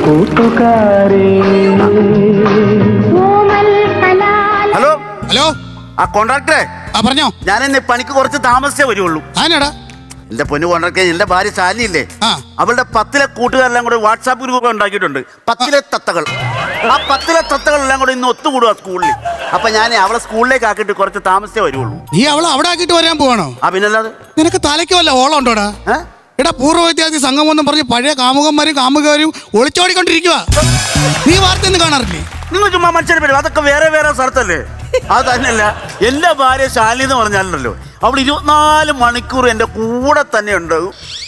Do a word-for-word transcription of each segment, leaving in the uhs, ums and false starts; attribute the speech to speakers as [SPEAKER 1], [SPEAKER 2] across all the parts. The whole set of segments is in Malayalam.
[SPEAKER 1] കൂട്ടുകാരേ.
[SPEAKER 2] ഹലോ
[SPEAKER 3] ഹലോ
[SPEAKER 2] ആ കോൺട്രാക്ടറെ,
[SPEAKER 3] ആ പറഞ്ഞോ.
[SPEAKER 2] ഞാൻ ഇന്ന് പണിക്ക് കുറച്ച് താമസിച്ചേ വരുള്ളൂ.
[SPEAKER 3] ആനാടാ?
[SPEAKER 2] എന്റെ പൊന്നു കോൺട്രാക്ടറെ, എന്റെ ഭാര്യ ശാലിയില്ലേ,
[SPEAKER 3] ആ.
[SPEAKER 2] അവളുടെ പത്തിലെ കൂട്ടുകാരെല്ലാം കൂടെ വാട്സാപ്പ് ഗ്രൂപ്പ് ഉണ്ടാക്കിയിട്ടുണ്ട്. പത്തിലെ തത്തകൾ. ആ പത്തിലെ തത്തകളെല്ലാം കൂടെ ഇന്ന് ഒത്തുകൂടുക സ്കൂളിൽ. അപ്പൊ ഞാൻ അവളെ സ്കൂളിലേക്ക് ആക്കിയിട്ട് കുറച്ച് താമസിച്ചേ വരുള്ളൂ.
[SPEAKER 3] നീ അവളെ അവിടെ ആക്കിയിട്ട് വരാൻ പോവാണോ?
[SPEAKER 2] ആ പിന്നല്ലാതെ.
[SPEAKER 3] നിനക്ക് തലയ്ക്ക് വല്ല ഓളം ഉണ്ടോടാ?
[SPEAKER 2] ഏ?
[SPEAKER 3] എടാ, പൂർവ്വ വിദ്യാർത്ഥി സംഘം എന്നും പറഞ്ഞ് പഴയ കാമുകന്മാരും കാമുകരും ഒളിച്ചോടിക്കൊണ്ടിരിക്കുക. നീ വാർത്തയൊന്നും കാണാറില്ലേ?
[SPEAKER 2] നിങ്ങൾ ചുമ്മാ മനുഷ്യരെ പറ്റും, അതൊക്കെ വേറെ വേറെ സ്ഥലത്തല്ലേ. അത് തന്നെയല്ല, എന്റെ ഭാര്യ ശാലി എന്ന് പറഞ്ഞാലുണ്ടല്ലോ, അവൾ ഇരുപത്തിനാല് മണിക്കൂർ എന്റെ കൂടെ തന്നെ ഉണ്ട്.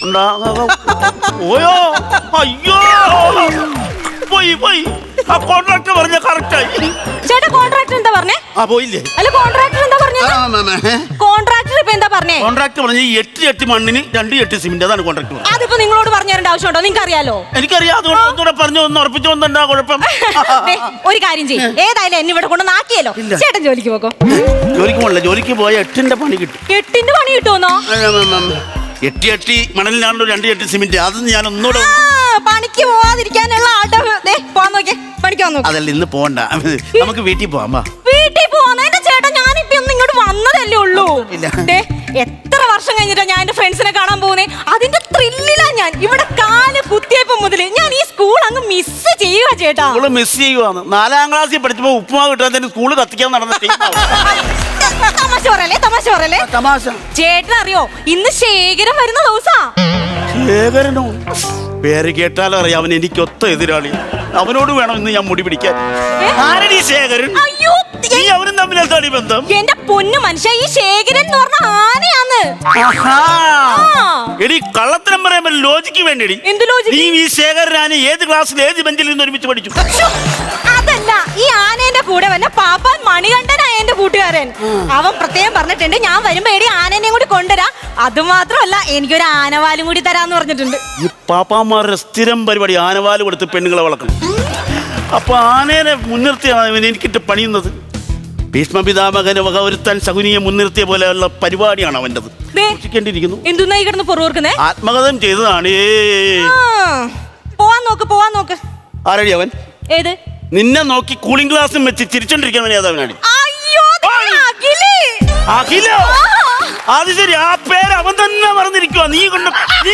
[SPEAKER 2] ഓയോ അയ്യോ പോയി പോയി. ആ കോൺട്രാക്ടർ പറഞ്ഞ കറക്റ്റായി.
[SPEAKER 4] ചേട്ടാ, കോൺട്രാക്ടർ എന്താ പറഞ്ഞേ?
[SPEAKER 2] ആ പോയില്ലേ?
[SPEAKER 4] അല്ല, കോൺട്രാക്ടർ എന്താ പറഞ്ഞേ? കോൺട്രാക്ടർ ഇപ്പൊ എന്താ പറഞ്ഞേ?
[SPEAKER 2] കോൺട്രാക്ടർ പറഞ്ഞ എട്ട് എട്ട് മണ്ണിന് രണ്ട് എട്ട് സിമെന്റ്. അതാണ് കോൺട്രാക്ടർ.
[SPEAKER 4] അതിപ്പോ നിങ്ങളോട് പറഞ്ഞു തരേണ്ട ആവശ്യമുണ്ടോ? നിങ്ങൾക്ക് അറിയാലോ.
[SPEAKER 2] എനിക്കറിയാം. അതുകൊണ്ട് ഒന്നുകൂടെ പറഞ്ഞു ഒന്ന് ഉറപ്പിച്ചു വന്നെന്താ കുഴപ്പം?
[SPEAKER 4] ദേ, ഒരു കാര്യം ചെയ്യും, ഏതായാലും എന്നെ ഇവിടെ കൊണ്ട് നാക്കിയല്ലോ. ചേട്ടൻ ജോലിക്ക് പോകോ.
[SPEAKER 2] ജോലിക്ക് പോകണില്ല. ജോലിക്ക് പോയ എട്ടിന്റെ പണി കിട്ടും.
[SPEAKER 4] എട്ടിന്റെ പണി കിട്ടുമെന്നോ?
[SPEAKER 2] എട്ടി എട്ടി മണലിനാണല്ലോ രണ്ട് എട്ട് സിമെന്റ്. അത് ഞാൻ ഒന്നുകൂടെ
[SPEAKER 4] പണിക്ക് പോവാതിരിക്കാനുള്ള അടവ്. ദേ, പോവാൻ നോക്കിയേ, പണിക്ക് വന്നു.
[SPEAKER 2] അതല്ല, ഇന്ന് പോകണ്ട, നമുക്ക് വീട്ടിൽ പോവാം.
[SPEAKER 4] വീട്ടിൽ പോവാന്നെ ചേട്ടാ, ഞാനിപ്പോ ഒന്ന് ഇങ്ങോട്ട് വന്നതല്ലേ ഉള്ളൂ. ദേ, എത്ര വർഷം കഴിഞ്ഞിട്ടാ ഞാൻ എന്റെ ഫ്രണ്ട്സിനെ കാണാൻ പോകുന്നേ. അതിന്റെ ത്രില്ലിലാ ഞാൻ. ഇവിടെ കാല് കുത്തിയപ്പോ മുതല് ഞാൻ ഈ സ്കൂൾ അങ്ങ് മിസ് ചെയ്യുക ചേട്ടാ.
[SPEAKER 2] സ്കൂള് മിസ് ചെയ്യുവാന്ന്. നാലാം ക്ലാസ്സിൽ പഠിച്ചപ്പോ ഉപ്പുമാവ് കിട്ടാൻ സ്കൂള് കത്തിക്കാൻ നടന്ന
[SPEAKER 4] തമാശ പറയല്ലേ, തമാശ പറയല്ലേ.
[SPEAKER 2] തമാശ.
[SPEAKER 4] ചേട്ടൻ അറിയോ, ഇന്ന് ശേഖരം വരുന്ന ദിവസാ.
[SPEAKER 2] ശേഖരനോ? പേര് കേട്ടാലും അറിയാം, അവൻ എനിക്ക് ഒത്ത എതിരാളി. അവനോട് വേണം ഇന്ന് ഞാൻ മുടി പിടിക്കാൻ. ആരടി ശേഖരൻ?
[SPEAKER 4] അയ്യോ,
[SPEAKER 2] നീ അവനും തമ്മിൽ എന്താണ് ബന്ധം?
[SPEAKER 4] എന്റെ പൊന്നു മനുഷ്യ, ഈ ശേഖരൻ എന്ന് പറഞ്ഞ ആനയാന്ന്.
[SPEAKER 2] എടി, കള്ളത്തരം പറയുമ്പോ ലോജിക്ക് വേണ്ടി.
[SPEAKER 4] എന്ത് ലോജിക്ക്?
[SPEAKER 2] നീ ഈ ശേഖരനാണ് ഏത് ക്ലാസ്സിൽ ഏത് ബെഞ്ചിൽ നിന്ന് ഒരുമിച്ച് പഠിച്ചു?
[SPEAKER 4] അതല്ല, ഈ ആനേന്റെ കൂടെ വന്ന പാപ്പാൻ മണികണ്ഠനായ എന്റെ കൂട്ടുകാരൻ. അവൻ പ്രത്യേകം പറഞ്ഞിട്ടുണ്ട്, ഞാൻ വരുമ്പോ എടി ആനേനെയും കൂടി കൊണ്ടുവരാ. അത് മാത്രമല്ല, എനിക്കൊരു ആനവാലും കൂടി തരാന്ന് പറഞ്ഞിട്ടുണ്ട്.
[SPEAKER 2] ഈ പാപ്പാമാരുടെ സ്ഥിരം പരിപാടി ആനവാല് കൊടുത്ത് പെണ്ണുങ്ങളെ വളർക്കണം. അപ്പൊ ആനേനെ മുൻനിർത്തിയാണ് എനിക്കിട്ട് പണിയുന്നത്. ഭീഷ്മപിതാമകന് വക ഒരുത്താൻ ശകുനിയെ മുൻനിർത്തിയ പോലെയുള്ള പരിപാടിയാണ് അവൻ്റെത്. സൂക്ഷിക്കേണ്ടിയിരിക്കുന്നു.
[SPEAKER 4] എന്തുന്നായി കിടന്ന് പൊറുവർക്കുന്നേ?
[SPEAKER 2] ആത്മകഥം ചെയ്തതാണ്.
[SPEAKER 4] പോവാൻ നോക്ക്, പോവാൻ നോക്ക്.
[SPEAKER 2] ആരടി അവൻ?
[SPEAKER 4] ഏത്?
[SPEAKER 2] നിന്നെ നോക്കി കൂളിംഗ് ഗ്ലാസും വെച്ച് ചിരിച്ചോണ്ടിരിക്കുന്നവൻ ഏതവനാണ്? അഖിലോ? അത് ശരി, ആ പേര് അവൻ തന്നെ പറഞ്ഞിരിക്കുക. നീ കൊണ്ട് നീ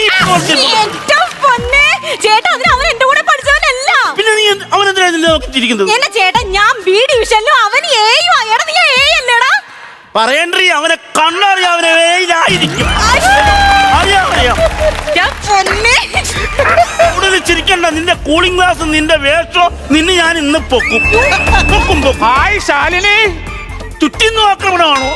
[SPEAKER 4] ചേട്ടാ, അതിന് അവൻ എന്റെ കൂടെ പഠിച്ചവനല്ല.
[SPEAKER 2] പിന്നെ നീ അവൻ എന്തിനാ നിന്നെ നോക്കി ചിരിക്കുന്നത്?
[SPEAKER 4] എന്നെ ചേട്ടാ, ഞാൻ ബി ഡിവിഷനിലും അവൻ ഏയും ആയടാ. നീ ഏ അല്ലേടാ?
[SPEAKER 2] പറയണ്ടേ, അവനെ കണ്ടറിയാം, അവനെ വേയിലായിരിക്കും. അറിയാം അറിയാം. കൂടുതൽ ചിരിക്കണ്ട. നിന്റെ കൂളിംഗ് ഗ്ലാസ്, നിന്റെ വേഷോ, നിന്നെ ഞാൻ ഇന്ന് പൊക്കും പൊക്കും പൊക്കും.
[SPEAKER 5] ഹായ് ശാലിനി,
[SPEAKER 2] ചുറ്റിന്ന് ആക്രമണമാണോ?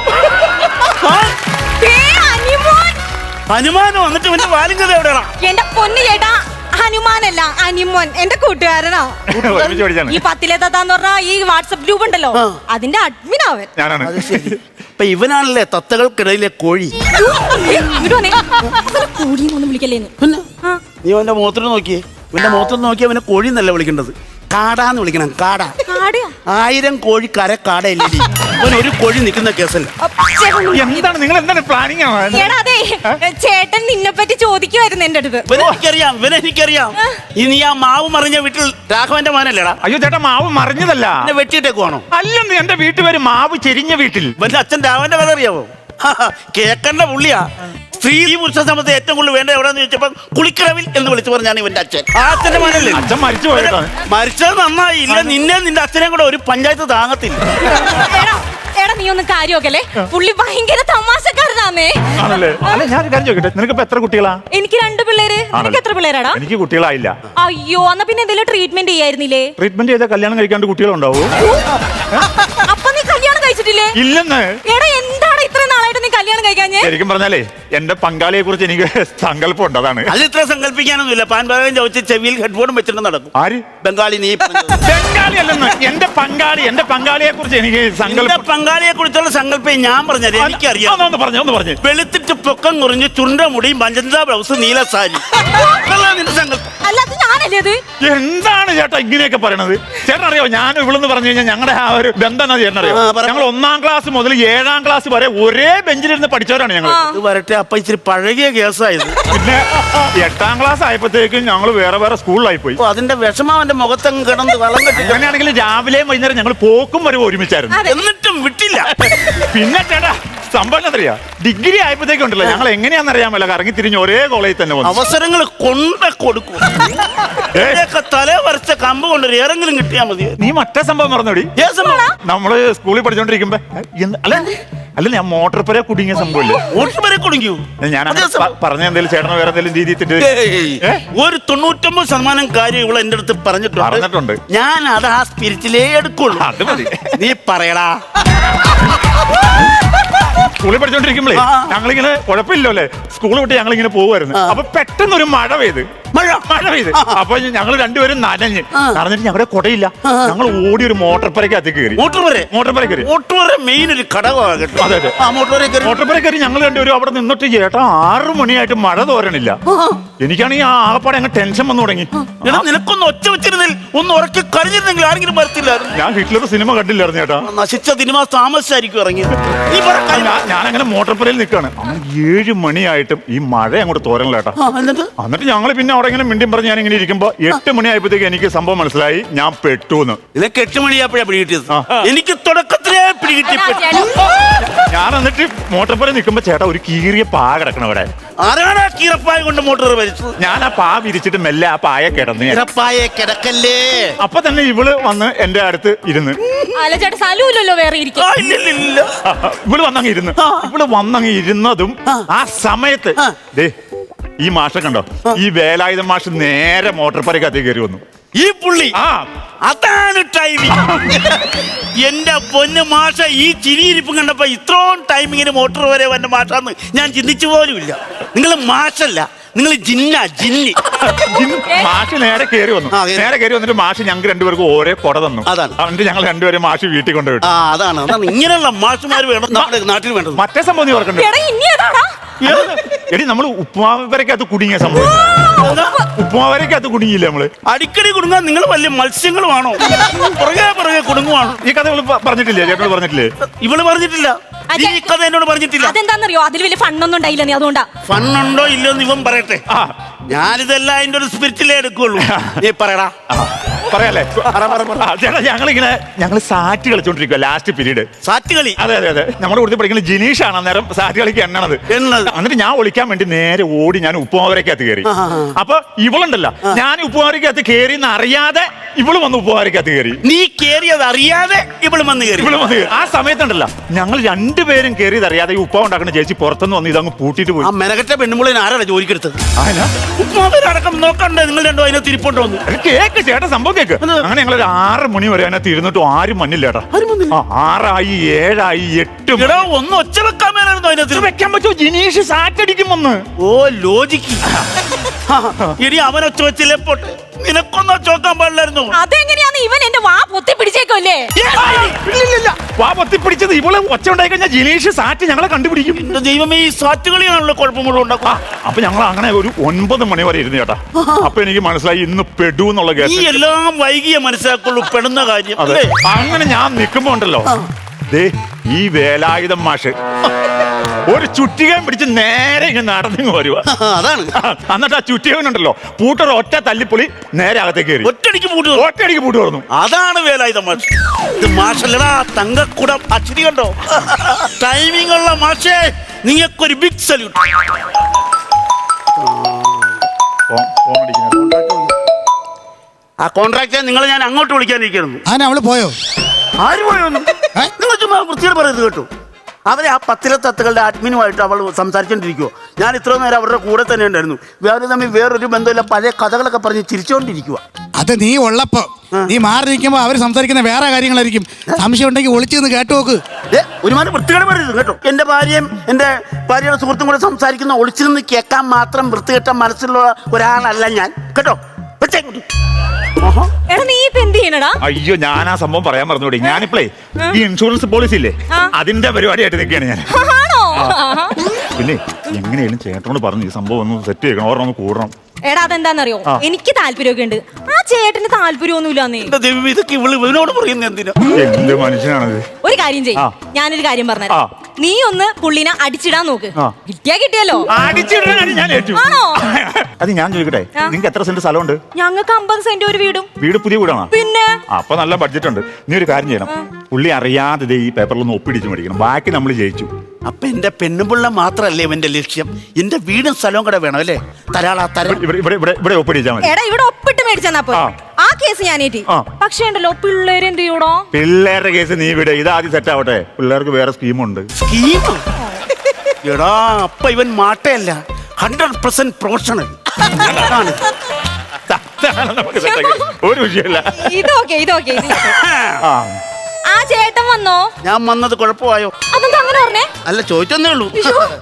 [SPEAKER 2] ഹനുമാനോ? എന്നിട്ട് പിന്നെ വാലിംഗത എവിടെയാണോ?
[SPEAKER 4] എന്റെ പൊന്നു ചേട്ടാ, ഹനുമാനല്ല, അനിമോൻ എന്റെ കൂട്ടുകാരനാ. ഈ പത്തിലെ തത്താന്ന് പറഞ്ഞ ഈ വാട്സപ്പ് ഗ്രൂപ്പ് ഉണ്ടല്ലോ, അതിന്റെ അഡ്മിൻ അവൻ.
[SPEAKER 5] ഞാനാണ്.
[SPEAKER 2] ഇപ്പൊ ഇവനാണല്ലേ തത്തകൾക്കിടയിലെ കോഴി.
[SPEAKER 4] കോഴിയൊന്നും വിളിക്കല്ലേന്ന്.
[SPEAKER 2] നീ അവന്റെ മുഖത്തോട് നോക്കിയേ. ഇവന്റെ മുഖത്തോട് നോക്കി അവനെ കോഴി എന്നല്ല വിളിക്കേണ്ടത്, കാടാന്ന് വിളിക്കണം. കാട. ആയിരം കോഴി കര കാടയല്ലേ. അവൻ ഒരു കോഴി നിൽക്കുന്ന കേസല്ല.
[SPEAKER 5] എന്താണ് നിങ്ങൾ എന്താണ് പ്ലാനിങ്?
[SPEAKER 4] ചേട്ടൻ നിന്നെ പറ്റി ചോദിക്കുമായിരുന്നു എന്റെ അടുത്ത്.
[SPEAKER 2] ഇവനെനിക്കറിയാം, ഇവനെനിക്കറിയാം. ഇനി ആ മാവ് മറിഞ്ഞ വീട്ടിൽ രാഘവന്റെ മോനല്ലേടാ?
[SPEAKER 5] അയ്യോ ചേട്ടാ, മാവ് മറിഞ്ഞതല്ല.
[SPEAKER 2] എന്നെ വെട്ടിയിട്ടേക്കുവാണോ?
[SPEAKER 5] അല്ലെന്ന്, എന്റെ വീട്ടുപേര് മാവ് ചെരിഞ്ഞ വീട്ടിൽ.
[SPEAKER 2] ഇവന്റെ അച്ഛൻ രാഘവന്റെ കഥ അറിയാവോ? കേക്കണ്ട പുള്ളിയാ. സ്ത്രീ പുരുഷ സമയത്ത് ഏറ്റവും കൂടുതൽ വേണ്ട എവിടെന്ന് ചോദിച്ചപ്പോ കുളിക്കടവിൽ എന്ന് വിളിച്ചു പറഞ്ഞാണ് ഇവന്റെ അച്ഛൻ. ആ അച്ഛന്റെ മോനല്ലേ?
[SPEAKER 5] അച്ഛൻ മരിച്ചു പോയതാണ്.
[SPEAKER 2] മരിച്ചത് നന്നായി. ഇല്ല, നിന്നെ നിന്റെ അച്ഛനെ കൂടെ ഒരു പഞ്ചായത്ത് താങ്ങത്തില്ല.
[SPEAKER 4] എടാ, നീ ഒന്ന് കാര്യമൊക്കെ, പുള്ളി ഭയങ്കര തമാശക്കാരനാന്നേ.
[SPEAKER 5] ആണല്ലേ? അല്ല, ഞാൻ കാര്യം ചോദിക്കട്ടെ, നിനക്ക് ഇപ്പൊ എത്ര കുട്ടികളാ?
[SPEAKER 4] എനിക്ക് രണ്ട് പിള്ളേര്. നിനക്ക് എത്ര പിള്ളേരാടാ?
[SPEAKER 5] എനിക്ക് കുട്ടികളായില്ല.
[SPEAKER 4] അയ്യോ, എന്നാ പിന്നെ എന്തെങ്കിലും ട്രീറ്റ്മെന്റ് ചെയ്യായിരുന്നില്ലേ?
[SPEAKER 5] ട്രീറ്റ്മെന്റ് ചെയ്താൽ കല്യാണം കഴിക്കാണ്ട് കുട്ടികളുണ്ടാവോ?
[SPEAKER 4] അപ്പൊ നീ കല്യാണം കഴിച്ചിട്ടില്ലേ?
[SPEAKER 5] ഇല്ലെന്ന്.
[SPEAKER 4] എടാ, എന്താണ് ഇത്ര നാളായിട്ട് നീ കല്യാണം കഴിക്കാഞ്ഞേ?
[SPEAKER 5] ശരിക്കും പറഞ്ഞാലേ എന്റെ പങ്കാളിയെ കുറിച്ച് എനിക്ക് സങ്കല്പം ഉണ്ട്. അതാണ്.
[SPEAKER 2] അത് ഇത്ര സങ്കല്പിക്കാനൊന്നുമില്ല. പാൻപാകം ചോദിച്ച് ചെവിയിൽ ഹെഡ്ഫോണും വെച്ചിട്ട് നടക്കും.
[SPEAKER 5] ആര്?
[SPEAKER 2] ബംഗാളി. നീ
[SPEAKER 5] ബംഗാളി അല്ലെന്ന്. എന്റെ പങ്കാളി, എന്റെ പങ്കാളിയെ കുറിച്ച് എനിക്ക് സങ്കല്പം.
[SPEAKER 2] പങ്കാളിയെ കുറിച്ചുള്ള സങ്കല്പം ഞാൻ പറഞ്ഞത് എനിക്കറിയാം.
[SPEAKER 5] ഒന്ന് പറഞ്ഞു ഒന്ന് പറഞ്ഞു.
[SPEAKER 2] വെളുത്തിട്ട് പൊക്കം കുറഞ്ഞ് ചുണ്ട മുടിയും പഞ്ചന്ത ബ്ലൗസ് നീല സാരി. നിന്റെ സങ്കല്പം
[SPEAKER 4] അല്ലാതെ ഞാനല്ലേ അത്?
[SPEAKER 5] എന്താണ് ചേട്ടാ ഇങ്ങനെയൊക്കെ പറയണത്? ചേട്ടൻ അറിയോ, ഞാൻ ഇവിടെന്ന് പറഞ്ഞു കഴിഞ്ഞാൽ ഞങ്ങളുടെ ആ ഒരു ബന്ധം ചേട്ടൻ അറിയോ? ഞങ്ങൾ ഒന്നാം ക്ലാസ് മുതൽ ഏഴാം ക്ലാസ് വരെ ഒരേ ബെഞ്ച് ബെഞ്ചിലിരുന്ന് പഠിച്ചവരാണ് ഞങ്ങൾ.
[SPEAKER 2] ഇത് വരട്ടെ, അപ്പൊ ഇച്ചിരി പഴകിയ കേസായത്.
[SPEAKER 5] പിന്നെ എട്ടാം ക്ലാസ് ആയപ്പോഴത്തേക്കും ഞങ്ങൾ വേറെ വേറെ സ്കൂളിലായി പോയി.
[SPEAKER 2] അപ്പൊ അതിന്റെ വിഷമം അവന്റെ മുഖത്തങ്ങ് കിടന്ന് വളം കെട്ടി.
[SPEAKER 5] അങ്ങനെയാണെങ്കിൽ രാവിലെയും വൈകുന്നേരം ഞങ്ങൾ പോക്കും വരെ ഒരുമിച്ചായിരുന്നു.
[SPEAKER 2] എന്നിട്ടും വിട്ടില്ല.
[SPEAKER 5] പിന്നെ ചേട്ടാ സംഭവം എന്നറിയാ, ഡിഗ്രി ആയപ്പോഴത്തേക്കും ഉണ്ടല്ലോ ഞങ്ങൾ എങ്ങനെയാണെന്ന് അറിയാമല്ലോ കറങ്ങി തിരിഞ്ഞ് ഒരേ കോളേജിൽ തന്നെ വന്നു.
[SPEAKER 2] അവസരങ്ങൾ കൊണ്ട് കൊടുക്കും. തല വരച്ച കമ്പ് കൊണ്ട് ഏറെങ്കിലും കിട്ടിയാ മതി.
[SPEAKER 5] നീ മറ്റേ സംഭവം മറന്നോടി. നമ്മള് സ്കൂളിൽ പഠിച്ചോണ്ടിരിക്കുമ്പോ എന്ത്- അല്ല അല്ല ഞാൻ മോട്ടോർ പുര കുടുങ്ങിയ സംഭവമില്ലേ?
[SPEAKER 2] മോട്ടോർ വരെ കുടുങ്ങിയോ?
[SPEAKER 5] ഞാൻ പറഞ്ഞ എന്തെങ്കിലും ചേട്ടനോ വേറെ എന്തെങ്കിലും രീതി
[SPEAKER 2] ഒരു തൊണ്ണൂറ്റൊമ്പത് ശതമാനം കാര്യം ഇവിടെ എന്റെ അടുത്ത് പറഞ്ഞിട്ടുണ്ട്
[SPEAKER 5] പറഞ്ഞിട്ടുണ്ട്
[SPEAKER 2] ഞാൻ അത് ആ സ്പിരിറ്റിലേ എടുക്കുള്ളൂ.
[SPEAKER 5] അത് മതി.
[SPEAKER 2] നീ പറയടാ.
[SPEAKER 5] സ്കൂളിൽ പഠിച്ചോണ്ടിരിക്കുമ്പോഴേ ഞങ്ങളിങ്ങനെ കുഴപ്പമില്ലോ അല്ലേ, സ്കൂൾ വിട്ട് ഞങ്ങളിങ്ങനെ പോകുമായിരുന്നു. അപ്പൊ പെട്ടെന്ന് ഒരു മഴ പെയ്ത് മഴ മഴ പെയ്ത് അപ്പൊ ഞങ്ങൾ രണ്ടുപേരും നനഞ്ഞ് നടന്നിട്ട് ഞങ്ങളുടെ കുടയില്ല. ഞങ്ങൾ ഓടി ഒരു മോട്ടോർ പുരക്കകത്ത് കയറി.
[SPEAKER 2] മോട്ടോർ വരെ
[SPEAKER 5] മോട്ടോർ പുര കയറി.
[SPEAKER 2] മോട്ടോർ മെയിൻ ഒരു ഘടകമാണ്.
[SPEAKER 5] അതെ അതെ.
[SPEAKER 2] മോട്ടോർ
[SPEAKER 5] പുര കയറി ഞങ്ങൾ രണ്ടുപേരും അവിടെ നിന്നിട്ട് ചേട്ടാ ആറു മണിയായിട്ട് മഴ തോരണില്ല. എനിക്കാണെങ്കിൽ ആ ആകപ്പാടെ അങ്ങ് ടെൻഷൻ വന്നു തുടങ്ങി.
[SPEAKER 2] എടാ നിനക്കൊന്ന് ഒച്ച വെച്ചിരുന്നിൽ ഒന്ന് ഉറക്കി കഴിഞ്ഞിരുന്നെങ്കിൽ ആരെങ്കിലും വരത്തില്ലായിരുന്നു.
[SPEAKER 5] ഞാൻ ഹിറ്റ്ലർ സിനിമ കണ്ടില്ലായിരുന്നു ചേട്ടാ.
[SPEAKER 2] നശിച്ച സിനിമ താമസിച്ചായിരിക്കും ഇറങ്ങിയത്. നീ
[SPEAKER 5] ഞാൻ അങ്ങനെ മോട്ടോർ പുരയിൽ നിൽക്കാണ്. ഏഴ് മണിയായിട്ടും ഈ മഴ അങ്ങോട്ട് തോരണില്ല ചേട്ടാ. എന്നിട്ട് ഞങ്ങൾ പിന്നെ അവിടെ ഇങ്ങനെ മിണ്ടിയും പറഞ്ഞ് ഞാൻ ഇങ്ങനെ ഇരിക്കുമ്പോ എട്ട് മണിയായപ്പോഴത്തേക്ക് എനിക്ക് സംഭവം മനസ്സിലായി ഞാൻ പെട്ടു എന്ന്.
[SPEAKER 2] നിനക്ക് എട്ട് മണിയാപ്പോഴാ പിടികിട്ടിയത്. എനിക്ക് തുടക്കത്തിലേ പിടികിട്ടി.
[SPEAKER 5] ഞാൻ എന്നിട്ട് മോട്ടോർ പുര നിൽക്കുമ്പോ ചേട്ടാ ഒരു കീറിയ പാ കിടക്കണം അവിടെ.
[SPEAKER 2] ആരാണ് കീറപ്പായ കൊണ്ട് മോട്ടോർ വലിച്ചത്?
[SPEAKER 5] ഞാൻ ആ പാ വിരിച്ചിട്ട് മെല്ലെ ആ പായ കിടന്ന്.
[SPEAKER 2] കീറപ്പായ കിടക്കല്ലേ.
[SPEAKER 5] അപ്പൊ തന്നെ ഇവള് വന്ന് എന്റെ അടുത്ത് ഇരുന്ന്.
[SPEAKER 4] വേറെ
[SPEAKER 5] ഇവള് വന്നങ്ങ് ഇരുന്ന് ഇവള് വന്നങ്ങ് ഇരുന്നതും ആ സമയത്ത് ദേ ഈ മാഷ കണ്ടോ, ഈ വേലായുധ മാഷ് നേരെ മോട്ടോർ പുരക്കകത്ത് കയറി വന്നു.
[SPEAKER 2] ഈ പുള്ളി
[SPEAKER 5] ആ
[SPEAKER 2] അതാണ് ടൈമിങ്. എന്റെ പൊന്ന് മാഷ ഈ ചിരിയിരിപ്പും കണ്ടപ്പോ ഇത്രയും ടൈമിങ്ങിന് മോട്ടോർ വരെ വന്ന മാഷാന്ന് ഞാൻ ചിന്തിച്ചു പോലുമില്ല. നിങ്ങൾ മാഷല്ല, നിങ്ങൾ ജിന്ന ജിന്നി.
[SPEAKER 5] മാഷ് നേരെ കയറി വന്നു. നേരെ കയറി വന്നിട്ട് മാഷ് ഞങ്ങൾക്ക് രണ്ടുപേർക്കും ഓരോ കൊട തന്നു.
[SPEAKER 2] അതാണ്
[SPEAKER 5] എന്നിട്ട് ഞങ്ങൾ രണ്ടുപേരും മാഷ് വീട്ടിൽ കൊണ്ടുപോയി.
[SPEAKER 2] ആ അതാണ് അതാണ് ഇങ്ങനെയുള്ള മാഷുമാർ വേണം നമ്മുടെ നാട്ടിൽ വേണ്ടത്.
[SPEAKER 5] മറ്റേ സംഭവം നീ ഓർക്കണ്ടേ? എടി നമ്മള് ഉപ്പുമാവരക്കകത്ത് കുടുങ്ങിയ സംഭവം. ഉപ്പുമാവരക്കകത്ത് കുടുങ്ങിയില്ല നമ്മള്.
[SPEAKER 2] അടിക്കടി കുടുങ്ങാൻ നിങ്ങൾ വലിയ മത്സ്യങ്ങളുമാണോ? പുറകെ പുറകെ കുടുങ്ങുവാണോ?
[SPEAKER 5] ഈ കഥ ഇവള് പറഞ്ഞിട്ടില്ലേ? ചേട്ടനോട് പറഞ്ഞിട്ടില്ലേ?
[SPEAKER 2] ഇവള് പറഞ്ഞിട്ടില്ല. ഈ കഥ എന്നോട് പറഞ്ഞിട്ടില്ല.
[SPEAKER 4] അതെന്താന്നറിയോ? അതിൽ വലിയ ഫണ്ണൊന്നും ഉണ്ടായില്ല. നീ അതുകൊണ്ടാ.
[SPEAKER 2] ഫണ്ണുണ്ടോ ഇല്ലയോ എന്ന് ഇവൻ പറയട്ടെ. ഞാനിതെല്ലാം അതിന്റെ ഒരു സ്പിരിറ്റിലേ എടുക്കുള്ളൂ. നീ പറയടാ.
[SPEAKER 5] പറയാല്ലേ ചേട്ടാ, ഞങ്ങളിങ്ങനെ ഞങ്ങള് സാറ്റ് കളിച്ചോണ്ടിരിക്കുക ലാസ്റ്റ് പീരീഡ്.
[SPEAKER 2] സാറ്റ് കളി?
[SPEAKER 5] അതെ അതെ അതെ. നമ്മുടെ കൂടുതൽ പഠിക്കുന്ന ജിനീഷാണ് അന്നേരം സാറ്റ് കളിക്ക് എണ്ണണത്. എന്നിട്ട് ഞാൻ ഒളിക്കാൻ വേണ്ടി നേരെ ഓടി ഞാൻ ഉപ്പുമാവരക്കകത്ത് കയറി. അപ്പൊ ഇവളുണ്ടല്ലോ, ഞാൻ ഉപ്പുമാവരക്കകത്ത് കയറി എന്ന് അറിയാതെ ഇവള് വന്ന് ഉപ്പുമാവരക്കകത്ത് കയറി.
[SPEAKER 2] നീ കയറിയത് അറിയാതെ ഇവള് വന്ന് കയറി.
[SPEAKER 5] ഇവള് വന്ന് കയറി. ആ സമയത്തുണ്ടല്ലോ ഞങ്ങൾ രണ്ടുപേരും കയറിയത് അറിയാതെ ഈ ഉപ്പാവ് ഉണ്ടാക്കുന്ന ചേച്ചി പുറത്തുനിന്ന് വന്ന് ഇതങ്ങ് പൂട്ടിട്ട് പോയി.
[SPEAKER 2] ആ മെനകെട്ട പെണ്ണുമുള്ളിന് ആരാണ് ജോലിക്കെടുത്തത്? ഉപ്പുമാവരടക്കം നോക്കണ്ടേ നിങ്ങൾ രണ്ടോ അതിനെ തിരിപ്പോട്ട് വന്നു?
[SPEAKER 5] കേക്ക് ചേട്ടാ, സംഭവം കേക്ക്. അങ്ങനെ ഞങ്ങൾ ഒരു ആറ് മണി വരെ അതിനകത്ത് ഇരുന്നിട്ടും ആരും മഞ്ഞില്ല ചേട്ടാ. ആറായി ഏഴായി എട്ടും.
[SPEAKER 2] ഒന്ന് ഒച്ച വെക്കാൻ മേലായിരുന്നു അതിനകത്ത്.
[SPEAKER 5] വെക്കാൻ പറ്റുമോ? ജിനീഷ് സാറ്റടിക്കും വന്ന്.
[SPEAKER 2] ഓ ലോജിക്ക്. ഇനി അവൻ ഒച്ച വെച്ചില്ലേ പോട്ടെ, നിനക്കൊന്നും ഒച്ച വെക്കാൻ പാടില്ലായിരുന്നു.
[SPEAKER 4] അതെങ്ങനെയാന്ന് ഇവൻ എന്റെ വാ പൊത്തി പിടിച്ചേക്കല്ലേ?
[SPEAKER 5] വാ പൊത്തി പിടിച്ചത് ഇവളെ ഒച്ച ഉണ്ടായി കഴിഞ്ഞാൽ ജിനീഷ് സാറ്റ് ഞങ്ങളെ കണ്ടുപിടിക്കും.
[SPEAKER 2] എന്റെ ദൈവമേ, ഈ സാറ്റ് കളിയാണല്ലോ കുഴപ്പം മുഴുവൻ ഉണ്ടാക്കുക.
[SPEAKER 5] അപ്പൊ ഞങ്ങൾ അങ്ങനെ ഒരു ഒൻപത് മണി വരെ ഇരുന്നു ചേട്ടാ. അപ്പൊ എനിക്ക് മനസ്സിലായി ഇന്ന് പെടു എന്നുള്ള കേസ്.
[SPEAKER 2] ഈ എല്ലാം വൈകിയ മനസ്സിലാക്കുള്ളൂ പെടുന്ന കാര്യം.
[SPEAKER 5] അതെ. അങ്ങനെ ഞാൻ നിൽക്കുമ്പോ ഉണ്ടല്ലോ ദേ ഈ വേലായുധം മാഷ് ഒരു ചുറ്റികയും പിടിച്ച് നേരെ ഇങ്ങനെ നടന്നു വരുവാ.
[SPEAKER 2] അതാണ്.
[SPEAKER 5] എന്നിട്ട് ആ ചുറ്റികനുണ്ടല്ലോ പൂട്ടർ ഒറ്റ തല്ലിപ്പൊളി നേരെ അകത്തേക്ക് കയറി.
[SPEAKER 2] ഒറ്റടിക്ക് പൂട്ട്
[SPEAKER 5] ഒറ്റയടിക്ക് പൂട്ട് തുറന്നു.
[SPEAKER 2] അതാണ് വേലായുധം മാഷ്. ഇത് മാഷല്ലടാ, തങ്കക്കുടം. അച്ചിരി കണ്ടോ? ടൈമിംഗ് ഉള്ള മാഷേ, നിങ്ങൾക്കൊരു ബിഗ് സല്യൂട്ട്. ആ കോൺട്രാക്ടറെ നിങ്ങൾ ഞാൻ അങ്ങോട്ട് വിളിക്കാനിരിക്കുന്നു.
[SPEAKER 3] ആന അവള് പോയോ?
[SPEAKER 2] ആര് പോയൊന്നും നിങ്ങൾ ചുമ്മാ വൃത്തിയോട് പറയുന്നത് കേട്ടു. അവരെ ആ പത്തിലെ തത്തുകളുടെ അഡ്മിനുമായിട്ട് അവൾ സംസാരിച്ചോണ്ടിരിക്കുവോ. ഞാൻ ഇത്ര നേരം അവരുടെ കൂടെ തന്നെ ഉണ്ടായിരുന്നു. വേറെ തമ്മിൽ വേറൊരു ബന്ധമില്ല, പഴയ കഥകളൊക്കെ പറഞ്ഞ് ചിരിച്ചോണ്ടിരിക്കുക.
[SPEAKER 3] അത് നീ ഉള്ളപ്പോ നീ മാറി നിൽക്കുമ്പോ അവര് സംസാരിക്കുന്ന വേറെ കാര്യങ്ങളായിരിക്കും. സംശയം ഉണ്ടെങ്കിൽ ഒളിച്ചു നിന്ന് കേട്ടു നോക്ക്.
[SPEAKER 2] ഏ ഒരുമാതിരി വൃത്തികേട് പറയരുത് കേട്ടോ. എന്റെ ഭാര്യയും എന്റെ ഭാര്യയുടെ സുഹൃത്തും കൂടെ സംസാരിക്കുന്ന ഒളിച്ചു നിന്ന് കേൾക്കാൻ മാത്രം വൃത്തികെട്ട മനസ്സിലുള്ള ഒരാളല്ല ഞാൻ കേട്ടോ.
[SPEAKER 5] അയ്യോ, ഞാൻ ആ സംഭവം പറയാൻ മറന്നുകൂടി. ഞാനിപ്പോഴേ ഈ ഇൻഷുറൻസ് പോളിസി ഇല്ലേ, അതിന്റെ പരിപാടിയായിട്ട് നിൽക്കുകയാണ് ഞാൻ. പിന്നെ എങ്ങനെയാലും ചേട്ടനോട് പറഞ്ഞു ഈ സംഭവം ഒന്ന് സെറ്റ് ചെയ്യണം, ഓർമ്മ ഒന്ന് കൂടണം.
[SPEAKER 4] എടാ അതെന്താന്നറിയോ, എനിക്ക് താല്പര്യമൊക്കെ ഉണ്ട്, ആ ചേട്ടന് താല്പര്യമൊന്നുമില്ലാന്നേ.
[SPEAKER 2] ഇതൊക്കെ ഇവള് ഇവനോട് പറയുന്നത് എന്തിനാ?
[SPEAKER 5] എന്ത് മനുഷ്യനാണത്?
[SPEAKER 4] ഒരു കാര്യം ചെയ്യും, ഞാനൊരു കാര്യം പറഞ്ഞുതരാം. നീ ഒന്ന് പുള്ളിനെ അടിച്ചിടാൻ നോക്ക്.
[SPEAKER 5] ആ.
[SPEAKER 4] കിട്ടിയാ കിട്ടിയല്ലോ.
[SPEAKER 5] അടിച്ചിടാൻ ഞാൻ ഏറ്റു.
[SPEAKER 4] ആണോ?
[SPEAKER 5] അത് ഞാൻ ചോദിക്കട്ടെ,
[SPEAKER 4] ആ.
[SPEAKER 5] നിങ്ങൾക്ക് എത്ര സെന്റ് സ്ഥലമുണ്ട്?
[SPEAKER 4] ഞങ്ങൾക്ക് അമ്പത് സെന്റ് ഒരു വീടും.
[SPEAKER 5] വീട് പുതിയ വീടാണോ?
[SPEAKER 4] പിന്നെ
[SPEAKER 5] അപ്പൊ നല്ല ബഡ്ജറ്റ് ഉണ്ട്. നീ ഒരു കാര്യം ചെയ്യണം, പുള്ളി അറിയാതെ ദേ ഈ പേപ്പറിലൊന്ന് ഒപ്പിടിച്ച് മേടിക്കണം. ബാക്കി നമ്മൾ ജയിച്ചു.
[SPEAKER 2] അപ്പൊ എന്റെ പെണ്ണുപിള്ള മാത്രല്ലേ ഇവന്റെ ലക്ഷ്യം? എന്റെ വീടും സ്ഥലവും കൂടെ വേണം അല്ലേ? തരാളാ തരാ.
[SPEAKER 5] ഇവിടെ ഇവിടെ ഇവിടെ ഇവിടെ ഒപ്പിടിച്ചാൽ മതി.
[SPEAKER 4] എടാ ഇവിടെ ഒപ്പിട്ട് മേടിച്ചെന്നാ പോ.
[SPEAKER 5] ആ.
[SPEAKER 4] ആ കേസ് ഞാൻ ഏറ്റി.
[SPEAKER 5] ആ.
[SPEAKER 4] പക്ഷേ ഉണ്ടല്ലോ പിള്ളേര് എന്ത് ചെയ്യൂടോ?
[SPEAKER 5] പിള്ളേരുടെ കേസ് നീ ഇവിടെ ഇതാദ്യം സെറ്റ് ആവട്ടെ. പിള്ളേർക്ക് വേറെ സ്കീമുണ്ട്.
[SPEAKER 2] സ്കീം? എടാ അപ്പൊ ഇവൻ മാട്ടയല്ല, ഹൺഡ്രഡ് പെർസെന്റ് പ്രൊഫഷണൽ.
[SPEAKER 5] നമുക്ക് set ആക്കി. ഒരു വിഷയമില്ല.
[SPEAKER 4] ഇതൊക്കെ ഇതൊക്കെ
[SPEAKER 5] ആ.
[SPEAKER 4] ആ ചേട്ടൻ വന്നോ?
[SPEAKER 2] ഞാൻ വന്നത് കുഴപ്പമായോ?
[SPEAKER 4] അതെന്താ അങ്ങനെ പറഞ്ഞേ?
[SPEAKER 2] അല്ല ചോദിച്ചെന്നേ ഉള്ളൂ.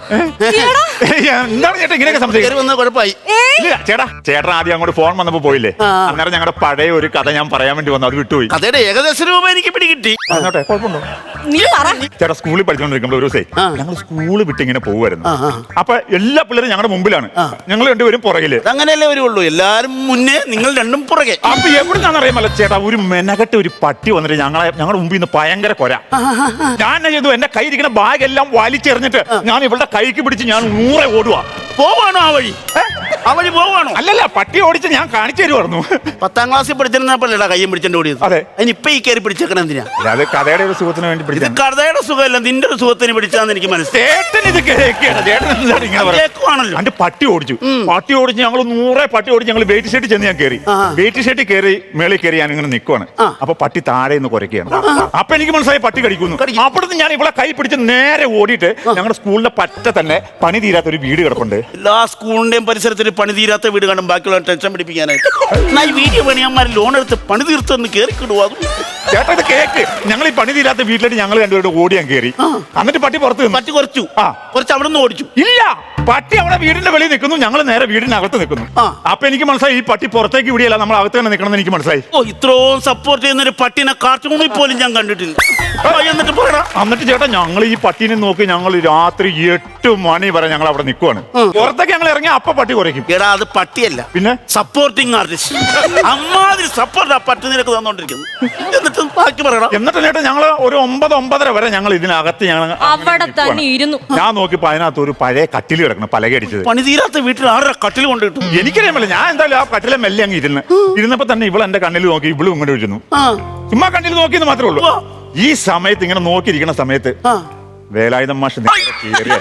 [SPEAKER 4] ഈയെടാ.
[SPEAKER 5] ഏയ്, എന്താണ് ചേട്ടാ ഇങ്ങനെയൊക്കെ സംശയം?
[SPEAKER 2] കയറി വന്നത് കുഴപ്പമായി.
[SPEAKER 4] ഏയ്,
[SPEAKER 5] ഇല്ല, ചേട്ടാ ചേട്ടൻ ആദ്യം അങ്ങോട്ട് ഫോൺ വന്നപ്പോ പോയില്ലേ?
[SPEAKER 2] ആ.
[SPEAKER 5] അന്നേരം ഞങ്ങളുടെ പഴയ ഒരു കഥ ഞാൻ പറയാൻ വേണ്ടി വന്നു, അത് വിട്ടുപോയി.
[SPEAKER 2] കഥയുടെ ഏകദേശ രൂപം എനിക്ക് പിടികിട്ടി.
[SPEAKER 5] അങ്ങോട്ടെ കുഴപ്പമുണ്ടോ?
[SPEAKER 4] നീ പറ.
[SPEAKER 5] ചേട്ടാ സ്കൂളിൽ പഠിച്ചുകൊണ്ടിരിക്കുമ്പോൾ ഒരു ദിവസേ
[SPEAKER 2] ആ.
[SPEAKER 5] ഞങ്ങൾ സ്കൂള് വിട്ട് ഇങ്ങനെ പോകുമായിരുന്നു.
[SPEAKER 2] ആ, ആ.
[SPEAKER 5] അപ്പൊ എല്ലാ പിള്ളേരും ഞങ്ങളുടെ മുമ്പിലാണ്,
[SPEAKER 2] ആ.
[SPEAKER 5] ഞങ്ങൾ രണ്ടുപേരും പുറകില്.
[SPEAKER 2] അങ്ങനെയല്ലേ വരുള്ളൂ, എല്ലാരും മുന്നേ നിങ്ങൾ രണ്ടും പുറകെ.
[SPEAKER 5] അപ്പൊ എവിടുന്നാന്ന് അറിയാമല്ലോ ചേട്ടാ, ഒരു മെനകെട്ട ഒരു പട്ടി വന്നിട്ട് ഞങ്ങളെ ഞങ്ങളുടെ മുമ്പിൽ നിന്ന് ഭയങ്കര കൊര. ഞാൻ എന്നാ ചെയ്തു, എന്റെ കൈ ഇരിക്കുന്ന ബാഗ് എല്ലാം വലിച്ചെറിഞ്ഞിട്ട് ഞാൻ ഇവളുടെ കൈക്ക് പിടിച്ച് ഞാൻ നൂറെ ഓടുവാ.
[SPEAKER 2] പോവാണോ ആ വഴി? ആ വഴി പോവാണോ?
[SPEAKER 5] അല്ലല്ല, പട്ടി ഓടിച്ച് ഞാൻ കാണിച്ചു തരുമായിരുന്നു.
[SPEAKER 2] പത്താം ക്ലാസ്സിൽ പഠിച്ചിരുന്നപ്പോഴേടാ കയ്യും പിടിച്ചോണ്ട് ഓടിയത്.
[SPEAKER 5] അതെ.
[SPEAKER 2] അതിനിപ്പൊ ഈ കയറി പിടിച്ചേക്കണം എന്തിനാ?
[SPEAKER 5] അത് കഥയുടെ ഒരു സുഖത്തിന് വേണ്ടി
[SPEAKER 2] ഇത്
[SPEAKER 5] പിടിച്ചു.
[SPEAKER 2] കഥയുടെ സുഖമല്ല, നിന്റെ ഒരു സുഖത്തിന് പിടിച്ചാന്ന് എനിക്ക് മനസ്സിലായി.
[SPEAKER 5] ചേട്ടൻ ഇത് കേൾക്കുകയാണ്. ചേട്ടൻ എന്താണ് ഇങ്ങനെ പറയുന്നത്?
[SPEAKER 2] കേൾക്കുവാണല്ലോ.
[SPEAKER 5] എന്റെ പട്ടി ഓടിച്ചു പട്ടി ഓടിച്ച് ഞങ്ങൾ നൂറെ പട്ടി ഓടിച്ച് ഞങ്ങൾ വെയിറ്റ് ഷെഡിൽ ചെന്ന് ഞാൻ കയറി.
[SPEAKER 2] ആ.
[SPEAKER 5] വെയിറ്റ് ഷെഡിൽ കയറി മേളിൽ കയറി ഞാൻ ഇങ്ങനെ നിൽക്കുവാണ്.
[SPEAKER 2] ആ.
[SPEAKER 5] അപ്പൊ പട്ടി താഴെ നിന്ന് കുരയ്ക്കുകയാണ്. അപ്പൊ എനിക്ക് മനസ്സിലായി പട്ടി കടിക്കുന്നു.
[SPEAKER 2] കടിക്കും.
[SPEAKER 5] അപ്പോഴത്തെ ഞാൻ ഇവിടെ കൈ പിടിച്ച് നേരെ ഓടിയിട്ട് ഞങ്ങളുടെ സ്കൂളിന്റെ പറ്റ തന്നെ പണി തീരാത്ത ഒരു വീട് കിടപ്പുണ്ട്.
[SPEAKER 2] എല്ലാ സ്കൂളിന്റെയും പരിസരത്തിൽ പണി തീരാത്ത വീട് കാണും, ബാക്കിയുള്ള ടെൻഷൻ പിടിപ്പിക്കാനായിട്ട്. എന്നാ ഈ വീഡിയോ പണിയന്മാർ ലോൺ എടുത്ത് പണി തീർത്തെന്ന് കയറിക്കിടുവോ? അതും
[SPEAKER 5] ചേട്ടാ ഇത് കേക്ക്. ഞങ്ങൾ ഈ പണി തീരാത്ത വീട്ടിലേക്ക് ഞങ്ങൾ രണ്ടുപേരും ഓടി ഞാൻ കയറി. എന്നിട്ട് പട്ടി പുറത്ത് നിന്നു.
[SPEAKER 2] പറ്റി കുറച്ചു.
[SPEAKER 5] ആ.
[SPEAKER 2] കുറച്ച് അവിടെ നിന്ന് ഓടിച്ചു.
[SPEAKER 5] ഇല്ല, പട്ടി അവിടെ വീടിന്റെ വെളിയിൽ നിൽക്കുന്നു, ഞങ്ങൾ നേരെ വീടിനകത്ത് നിൽക്കുന്നു.
[SPEAKER 2] ആ.
[SPEAKER 5] അപ്പൊ എനിക്ക് മനസ്സിലായി ഈ പട്ടി പുറത്തേക്ക് വിടിയല്ല, നമ്മൾ അകത്ത് തന്നെ നിൽക്കണം എന്ന് എനിക്ക് മനസ്സിലായി.
[SPEAKER 2] ഓ, ഇത്രയും സപ്പോർട്ട് ചെയ്യുന്ന ഒരു പട്ടിനെ കാർട്ടൂണിൽ പോലും ഞാൻ കണ്ടിട്ടില്ല. ആ, എന്നിട്ട് പറയടാ.
[SPEAKER 5] എന്നിട്ട് ചേട്ടാ ഞങ്ങൾ ഈ പട്ടീനെ നോക്കി ഞങ്ങൾ രാത്രി എട്ട് മണി വരെ ഞങ്ങൾ അവിടെ നിൽക്കുവാണ്. പുറത്തേക്ക് ഞങ്ങൾ ഇറങ്ങി അപ്പ പട്ടി കുറയ്ക്കും.
[SPEAKER 2] എടാ അത് പട്ടിയല്ല,
[SPEAKER 5] പിന്നെ
[SPEAKER 2] സപ്പോർട്ടിങ് ആർട്ടിസ്റ്റ്. അമ്മാതിരി സപ്പോർട്ട് ആ പട്ടി നിനക്ക് തന്നോണ്ടിരിക്കുന്നു. എന്നിട്ട് ബാക്കി പറയടാ.
[SPEAKER 5] എന്നിട്ട് ചേട്ടാ ഞങ്ങൾ ഒരു ഒമ്പത് ഒമ്പതര വരെ ഞങ്ങൾ ഇതിനകത്ത് ഞങ്ങൾ അങ്ങനെ
[SPEAKER 4] അവിടെ
[SPEAKER 5] നിൽക്കുവാണ്.
[SPEAKER 4] തന്നെ ഇരുന്നു.
[SPEAKER 5] ഞാൻ നോക്കിയപ്പോ അതിനകത്ത് ഒരു പഴയ കട്ടിൽ കിടക്കണം, പലകടിച്ചത്.
[SPEAKER 2] പണി തീരാത്ത വീട്ടിൽ ആരുടെ കട്ടിൽ കൊണ്ട് കിട്ടും?
[SPEAKER 5] എനിക്കറിയാമല്ലോ, ഞാൻ എന്തായാലും ആ കട്ടിലെ മെല്ലെ അങ്ങ് ഇരുന്ന് ഇരുന്നപ്പോ തന്നെ ഇവൾ എന്റെ കണ്ണിൽ നോക്കി, ഇവളും ഇങ്ങോട്ട് വിളിക്കുന്നു.
[SPEAKER 2] ആ,
[SPEAKER 5] ചുമ്മാ കണ്ണിൽ നോക്കിയെന്ന് മാത്രമേ ഉള്ളൂ.
[SPEAKER 2] ആ.
[SPEAKER 5] ഈ സമയത്ത് ഇങ്ങനെ നോക്കിയിരിക്കുന്ന സമയത്ത്
[SPEAKER 2] ആ.
[SPEAKER 5] വേലായുധം മാഷ് നേരെ കേറിയാണ്.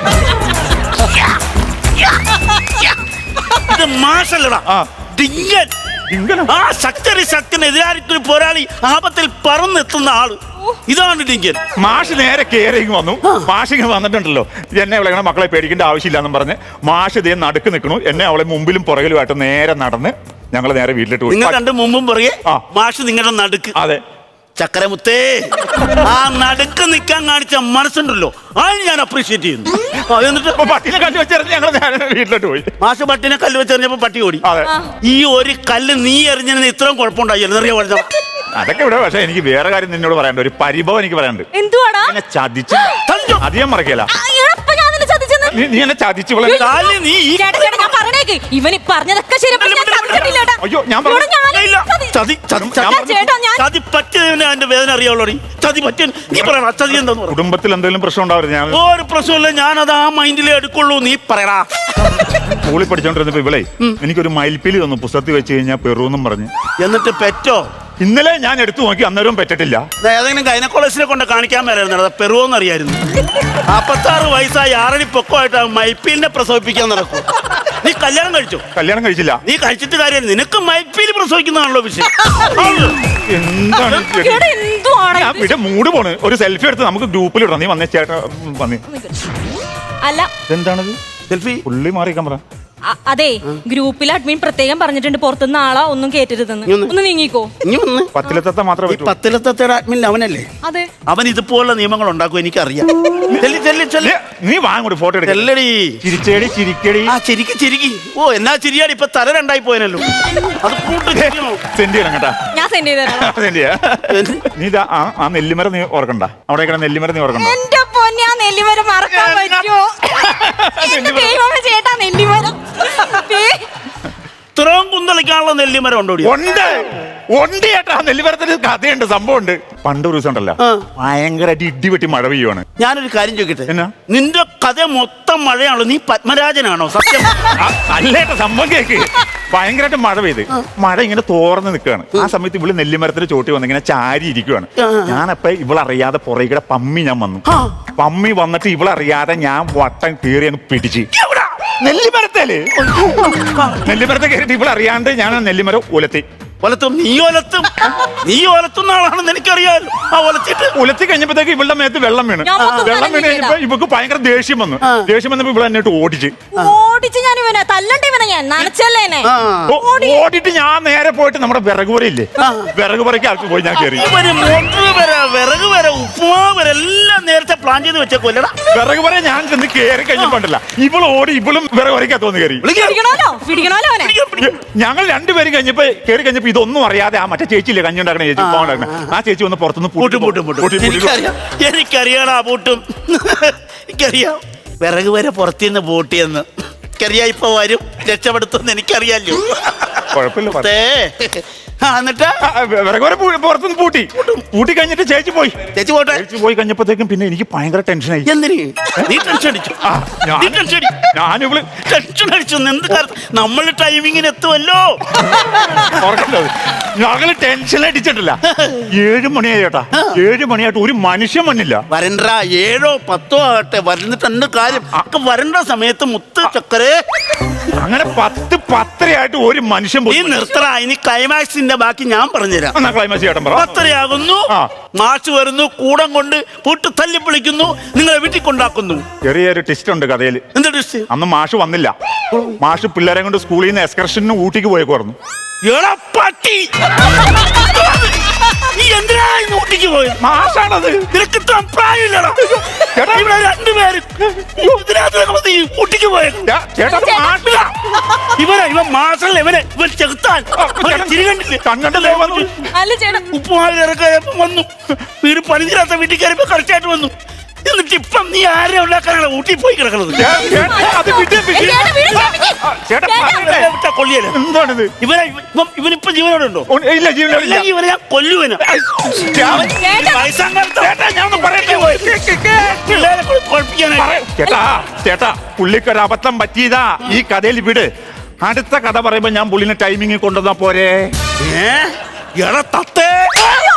[SPEAKER 2] ഇത് മാഷല്ലടാ,
[SPEAKER 5] ആ.
[SPEAKER 2] ഡിങ്കൻ.
[SPEAKER 5] ഇങ്ങനെ
[SPEAKER 2] ആ ശക്തരി ശക്തിനെതിരായിരിക്കും പോരാളി, ആപത്തിൽ പറന്നെത്തുന്ന ആള്. ഇതാണ് ഡിങ്കൻ.
[SPEAKER 5] മാഷ് നേരെ കേറിങ് വന്നു. മാഷ് ഇങ്ങനെ വന്നിട്ടുണ്ടല്ലോ, എന്നെ അവളെ മക്കളെ പേടിക്കേണ്ട ആവശ്യമില്ലാന്നും പറഞ്ഞ് മാഷ് ഇതേ നടുക്ക് നിൽക്കണു. എന്നെ അവളെ മുമ്പിലും പുറകിലുമായിട്ട് നേരെ നടന്ന് ഞങ്ങൾ നേരെ വീട്ടിലിട്ട് പോയി.
[SPEAKER 2] നിങ്ങൾ കണ്ട് മുമ്പും പറയേ
[SPEAKER 5] ആ.
[SPEAKER 2] മാഷ് നിങ്ങളുടെ നടുക്ക്.
[SPEAKER 5] അതെ.
[SPEAKER 2] ചക്കരമുത്തേ, ആ നടുക്ക് നിൽക്കാൻ കാണിച്ച മനസ്സുണ്ടല്ലോ, അത് ഞാൻ അപ്രീഷിയേറ്റ് ചെയ്യുന്നു. ആ, എന്നിട്ട്
[SPEAKER 5] അപ്പൊ പട്ടിനെ കല്ല് വെച്ചെറിഞ്ഞ് ഞങ്ങൾ നേരെ വീട്ടിലോട്ട് പോയി.
[SPEAKER 2] മാഷ് പട്ടിനെ കല്ല് വെച്ചെറിഞ്ഞപ്പോ പട്ടി ഓടി.
[SPEAKER 5] അതെ.
[SPEAKER 2] ഈ ഒരു കല്ല് നീ എറിഞ്ഞതിന് ഇത്രയും കുഴപ്പമുണ്ടായി എന്നറിയാ പറഞ്ഞ.
[SPEAKER 5] അതൊക്കെ ഇവിടെ. പക്ഷെ എനിക്ക് വേറെ കാര്യം നിന്നോട് പറയാനുണ്ട്, ഒരു പരിഭവം എനിക്ക് പറയാനുണ്ട്.
[SPEAKER 4] എന്തുവാടാ?
[SPEAKER 5] എന്നെ ചതിച്ചു.
[SPEAKER 2] ചതിച്ചോ?
[SPEAKER 5] അധികം മറക്കില്ല.
[SPEAKER 4] ആ, എപ്പ ഞാൻ നിന്നെ ചതിച്ചെന്ന്?
[SPEAKER 5] നീ നീ എന്നെ ചതിച്ചു. ഇവളെ
[SPEAKER 2] കാല് നീ ഈ-
[SPEAKER 4] ചേട്ടാ, ചേട്ടാ, ഞാൻ പറഞ്ഞേക്ക്, ഇവൻ ഈ പറഞ്ഞതൊക്കെ ശരി. പക്ഷെ ഞാൻ ചതിച്ചിട്ടില്ല കേട്ടാ.
[SPEAKER 5] അയ്യോ, ഞാൻ പറഞ്ഞു.
[SPEAKER 4] ഇവിടെ ഞാൻ
[SPEAKER 2] ഇല്ല,
[SPEAKER 4] ചതി-
[SPEAKER 2] ചതി ചതി
[SPEAKER 5] ഞാൻ
[SPEAKER 2] ചതി
[SPEAKER 4] ചേട്ടാ, ഞാൻ
[SPEAKER 2] ചതി പറ്റിയതിന് അതിന്റെ വേദന അറിയാവുള്ളൂ. ചതി പറ്റിയ നീ പറയണ ചതി എന്താന്ന് പറ.
[SPEAKER 5] കുടുംബത്തിൽ എന്തെങ്കിലും പ്രശ്നം ഉണ്ടാവരുത്. ഞാൻ
[SPEAKER 2] ഒരു പ്രശ്നമില്ല, ഞാനത് ആ മൈൻഡിലേ എടുക്കുള്ളൂ. നീ പറയടാ.
[SPEAKER 5] സ്കൂളിൽ പഠിച്ചോണ്ടിരുന്നപ്പോ ഇവളെ എനിക്കൊരു മയിൽപ്പീലി തന്നു, പുസ്തകത്തിൽ വെച്ച് കഴിഞ്ഞാൽ പെറുവെന്നും പറഞ്ഞ്.
[SPEAKER 2] എന്നിട്ട് പെറ്റോ?
[SPEAKER 5] ഇന്നലെ ഞാൻ എടുത്തു നോക്കി, അന്നേരവും പറ്റിട്ടില്ല.
[SPEAKER 2] ഇത് ഏതെങ്കിലും ഗൈനക്കോളജിനെ കൊണ്ട് കാണിക്കാൻ മേലായിരുന്നു, പെറുവോന്ന് അറിയായിരുന്നു. നാപ്പത്താറ് വയസ്സായി ആറടി പൊക്കമായിട്ട് മൈപ്പീലിനെ പ്രസവിപ്പിക്കാൻ നടക്കും. നീ കല്യാണം കഴിച്ചോ?
[SPEAKER 5] കല്യാണം കഴിച്ചില്ല.
[SPEAKER 2] നീ കഴിച്ചിട്ട് കാര്യം, നിനക്ക് മൈപ്പീല് പ്രസവിക്കുന്നതാണല്ലോ വിഷയം. ആണല്ലോ.
[SPEAKER 5] എന്താണ് ഇത്?
[SPEAKER 4] ഇവിടെ എന്തുവാണ്
[SPEAKER 5] ഞാൻ
[SPEAKER 4] ഇത്?
[SPEAKER 5] ഇവിടെ മൂട് പോണ്. ഒരു സെൽഫി എടുത്ത് നമുക്ക് ഗ്രൂപ്പിൽ ഇടണം. നീ വന്നേ ചേട്ടാ വന്നേ.
[SPEAKER 4] അല്ല,
[SPEAKER 5] എന്താണത്?
[SPEAKER 2] സെൽഫി
[SPEAKER 5] പുള്ളി മാറിക്കാൻ പറ.
[SPEAKER 4] അ- അതെ, ഗ്രൂപ്പിൽ അഡ്മിൻ പ്രത്യേകം പറഞ്ഞിട്ടുണ്ട് പുറത്തുനിന്ന് ആളെ ഒന്നും കേറ്റരുതെന്ന്.
[SPEAKER 2] നീ ഒന്ന്
[SPEAKER 4] ഒന്ന് നീങ്ങിക്കോ.
[SPEAKER 2] ഇനി വന്ന്
[SPEAKER 5] പത്തിലെത്ത മാത്രമേ
[SPEAKER 2] ഈ പത്തിലത്തെ അഡ്മിൻ അവനല്ലേ?
[SPEAKER 4] അതെ,
[SPEAKER 2] അവൻ ഇതുപോലുള്ള നിയമങ്ങൾ ഉണ്ടാക്കും, എനിക്കറിയാം. ചെല്ലി ചെല്ലി ചെല്ലി
[SPEAKER 5] നീ വാങ്ങോട്ട് ഫോട്ടോ എടുക്ക.
[SPEAKER 2] ചെല്ലടി.
[SPEAKER 5] ചിരിച്ചേടി ചിരിക്കടി.
[SPEAKER 2] ആ ചിരിക്ക് ചിരിക്കി. ഓ, എന്നാ ചിരിയാടി, ഇപ്പൊ തല രണ്ടായി പോയനല്ലോ. അത് കൂട്ട് ചിരിക്കണോ?
[SPEAKER 5] സെൻഡ് ചെയ്യണം കേട്ടാ.
[SPEAKER 4] ഞാൻ സെൻഡ് ചെയ്ത് തരാം.
[SPEAKER 5] സെൻഡ് ചെയ്യാ. നീ ഇതാ ആ ആ നെല്ലിമരം നീ ഓർക്കണ്ട. അവിടെ കിടന്ന നെല്ലിമരം നീ ഓർക്കണ്ട.
[SPEAKER 4] എന്റെ പൊന്നെ, ആ നെല്ലിമരം മറക്കാൻ പറ്റുമോ? എന്റെ ദൈവമേ ചേട്ടാ, നെല്ലിമരം. ദേ,
[SPEAKER 2] ഇത്രയും കുന്തളിക്കാനുള്ള നെല്ലിമരം ഉണ്ടോ?
[SPEAKER 5] ഉണ്ട്. ഉണ്ട് ചേട്ടാ. നെല്ലിമരത്തിന് കഥയുണ്ട്, സംഭവമുണ്ട്. പണ്ട് ഒരു ദിവസം ഉണ്ടല്ലോ,
[SPEAKER 2] ആ.
[SPEAKER 5] ഭയങ്കരമായിട്ട് ഇടി വെട്ടി മഴ പെയ്യുവാണ്.
[SPEAKER 2] ഞാനൊരു കാര്യം ചോദിക്കട്ടെ,
[SPEAKER 5] എന്നാ?
[SPEAKER 2] നിന്റെ കഥ മൊത്തം മഴയാണല്ലോ, നീ പത്മരാജനാണോ? സത്യം.
[SPEAKER 5] അല്ലേട്ട, സംഭവം കേക്ക്. ഭയങ്കരമായിട്ട് മഴ പെയ്ത് മഴ ഇങ്ങനെ തോർന്ന് നിൽക്കുകയാണ്. ആ സമയത്ത് ഇവള് നെല്ലിമരത്തിന് ചോട്ടി വന്ന് ഇങ്ങനെ ചാരി ഇരിക്കുവാണ്. ഞാനപ്പ ഇവളറിയാതെ പുറകെ പമ്മി ഞാൻ വന്നു. പമ്മി വന്നിട്ട് ഇവളറിയാതെ ഞാൻ വട്ടം കീറി അങ്ങ് പിടിച്ച് നെല്ലിമരത്തേല് നെല്ലിമരത്തെ കയറിയിട്ട് ഇവളറിയാണ്ട് ഞാൻ ആ നെല്ലിമരം ഉലത്തി.
[SPEAKER 2] ഒലത്തും നീ ഒലത്തും നീ ഒലത്തുന്ന ആളാണെന്ന് എനിക്കറിയാലോ. ആ ഒലത്തിട്ട്
[SPEAKER 5] ഉലത്തി കഴിഞ്ഞപ്പോഴത്തേക്ക് ഇവളുടെ മേത്ത് വെള്ളം വീണ്.
[SPEAKER 4] ഞാൻ മൊത്തം
[SPEAKER 5] വെള്ളം വീണ്
[SPEAKER 4] നനഞ്ഞില്ല.
[SPEAKER 5] കഴിഞ്ഞപ്പോ ഇവക്ക് ഭയങ്കര ദേഷ്യം വന്നു. ദേഷ്യം വന്നപ്പോ ഇവളെ എന്നിട്ട് ഓടിച്ച്
[SPEAKER 4] ഓടിച്ച് ഞാൻ ഇവനെ തല്ലണ്ട ഇവനെ ഞാൻ നനച്ചല്ലേ എന്നെ.
[SPEAKER 2] ആ.
[SPEAKER 5] ഓ- ഓടിയിട്ട് ഞാൻ നേരെ പോയിട്ട് നമ്മുടെ വിറക് പുരയില്ലേ, വിറക് പുരയ്ക്ക് അകത്ത് പോയി ഞാൻ കയറി.
[SPEAKER 2] ഇവര് മോട്ടർ വരെ വിറക് വരെ ഉപ്പുമാവ് വരെ എല്ലാം നേരത്തെ പ്ലാൻ ചെയ്ത് വെച്ചേക്കൊല്ലടാ.
[SPEAKER 5] വിറക് പുര ഞാൻ ചെന്ന് കയറി കഴിഞ്ഞപ്പോണ്ടല്ല ഇവള് ഓടി ഇവളും വിറക് പുരയ്ക്കകത്ത് വന്ന് കയറി.
[SPEAKER 4] പിടിക്കണോലോ പിടിക്കണോലോ അവനെ.
[SPEAKER 5] ഞങ്ങൾ രണ്ടുപേരും കഴിഞ്ഞപ്പോ കയറി കഴിഞ്ഞപ്പോ ഇതൊന്നും അറിയാതെ ആ മറ്റേ ചേച്ചിയില്ലേ കഞ്ഞി ഉണ്ടാക്കണ ചേച്ചി, ഉപ്പ ഉണ്ടാക്കണ ആ ചേച്ചി വന്ന് പുറത്തുനിന്ന്
[SPEAKER 2] പൂട്ടും പൂട്ടും പൂട്ടും എനിക്കറിയാം എനിക്കറിയാടാ പൂട്ടും. എനിക്കറിയാം വിറക് വരെ പുറത്തുനിന്ന് പൂട്ടിയെന്ന്. എനിക്കറിയാം ഇപ്പൊ വരും രക്ഷപ്പെടുത്തുമെന്ന് എനിക്കറിയാലോ.
[SPEAKER 5] കുഴപ്പമില്ല പറ.
[SPEAKER 2] ദേ, ആ, എന്നിട്ട്
[SPEAKER 5] ആ, വിറക് പുര പൂ- പുറത്തുനിന്ന് പൂട്ടി പൂട്ടി കഴിഞ്ഞിട്ട് ചേച്ചി പോയി.
[SPEAKER 2] ചേച്ചി പോട്ടെ.
[SPEAKER 5] ചേച്ചി പോയി കഴിഞ്ഞപ്പോഴത്തേക്കും പിന്നെ എനിക്ക് ഭയങ്കര ടെൻഷനായി.
[SPEAKER 2] എന്തിന് നീ ടെൻഷൻ അടിച്ചു?
[SPEAKER 5] ആ, ഞാൻ-
[SPEAKER 2] നീ ടെൻഷൻ അടി
[SPEAKER 5] ഞാനിവള്
[SPEAKER 2] ടെൻഷൻ അടിച്ചു എന്ത് കാര്യം? നമ്മൾ ടൈമിങ്ങിന് എത്തുമല്ലോ.
[SPEAKER 5] ഓർക്കണ്ടത് ഞങ്ങള് ടെൻഷൻ അടിച്ചിട്ടില്ല. ഏഴ് മണിയായി ചേട്ടാ, ഏഴ് മണിയായിട്ട് ഒരു മനുഷ്യൻ വന്നില്ല.
[SPEAKER 2] വരണ്ട ഏഴോ പത്തോ ആകട്ടെ, വരുന്നിട്ടുണ്ട് കാര്യം. ഒക്കെ വരണ്ട സമയത്ത് മുത്ത് ചക്കരെ
[SPEAKER 5] അങ്ങനെ പത്ത് പത്തരയായിട്ട് ഒരു മനുഷ്യൻ
[SPEAKER 2] നീ
[SPEAKER 5] പോയി.
[SPEAKER 2] നിർത്തറ. ഇനി ക്ലൈമാക്സിന്റെ ബാക്കി ഞാൻ പറഞ്ഞുതരാം.
[SPEAKER 5] എന്നാ ക്ലൈമാക്സ് ചേട്ടൻ പറ.
[SPEAKER 2] പത്തരയാകുന്നു,
[SPEAKER 5] ആ.
[SPEAKER 2] മാഷ് വരുന്നു, കൂടം കൊണ്ട് പൂട്ട് തല്ലി വിളിക്കുന്നു, നിങ്ങളെ വീട്ടിൽ കൊണ്ടാക്കുന്നു.
[SPEAKER 5] ചെറിയൊരു ടെസ്റ്റ് ഉണ്ട് കഥയിൽ.
[SPEAKER 2] എന്താ ടെസ്റ്റ്?
[SPEAKER 5] അന്ന് മാഷ് വന്നില്ല. മാഷ് പിള്ളേരെ കൊണ്ട് സ്കൂളിൽ നിന്ന് എക്സ്കർഷന് ഊട്ടിക്ക് പോയേക്കുവായിരുന്നു.
[SPEAKER 2] എടാ പട്ടി, നീ എന്തിനാ ഇന്ന് ഊട്ടിക്ക് പോയത്?
[SPEAKER 5] മാഷാണത്.
[SPEAKER 2] നിനക്ക് ഇത്ര പ്രായമില്ലടാ.
[SPEAKER 5] ചേട്ടാ,
[SPEAKER 2] ഇവിടെ രണ്ടുപേരും ഇതിനകത്ത് നീ ഊട്ടിക്ക് പോയത്.
[SPEAKER 5] ചേ- ചേട്ടാ അത് മാഷില്ല.
[SPEAKER 2] ഇവനെ ഇവൻ മാസല്ല, ഇവനെ ഇവൻ ചെകുത്താൻ. തിരികണ്ടില്ലേ
[SPEAKER 5] കണ്ണണ്ടല്ലേ വന്നു.
[SPEAKER 4] അല്ല ചേട്ടാ
[SPEAKER 2] ഉപ്പുമാവിൽ ഇറക്കായപ്പോ വന്നു. വീട് പണിതിരാത്ത വീട്ടിൽ കയറിയപ്പോ കറക്റ്റായിട്ട് വന്നു. എന്നിട്ട് ഇപ്പം നീ ആരെ ഉണ്ടാക്കാനാണ് ഊട്ടി പോയി കിടക്കുന്നത്?
[SPEAKER 5] ചേ- ചേട്ടാ, അത് വിട്, വിട്.
[SPEAKER 4] ചേട്ടാ, വീട് ക്ഷമിക്ക്.
[SPEAKER 5] ആ, ചേട്ടാ പറയട്ടെ.
[SPEAKER 2] വിട്ടാ കൊല്ലിയല്ല.
[SPEAKER 5] എന്താണിത്?
[SPEAKER 2] ഇവനെ ഇവൻ ഇവനിപ്പം ജീവനോടുണ്ടോ?
[SPEAKER 5] ഓ, ഇല്ല ജീവനില്ല.
[SPEAKER 2] ഇല്ലെങ്കിൽ ഇവനെ ഞാൻ കൊല്ലുവന.
[SPEAKER 4] ചേട്ടാ.
[SPEAKER 5] ചേട്ടാ ഞാൻ ഒന്ന് പറയട്ടെ.
[SPEAKER 2] പിള്ളേരെ കുഴപ്പിക്കാനായി.
[SPEAKER 5] ചേട്ടാ ചേട്ടാ പുള്ളിക്കൊരു അബദ്ധം പറ്റിയതാ. ഈ കഥയിൽ വിട്. അടുത്ത കഥ പറയുമ്പോ ഞാൻ പുള്ളിനെ ടൈമിങ് കൊണ്ടുവന്നാ പോരെ.
[SPEAKER 2] ഏ? എടാ തത്തേ,
[SPEAKER 4] അയ്യോ,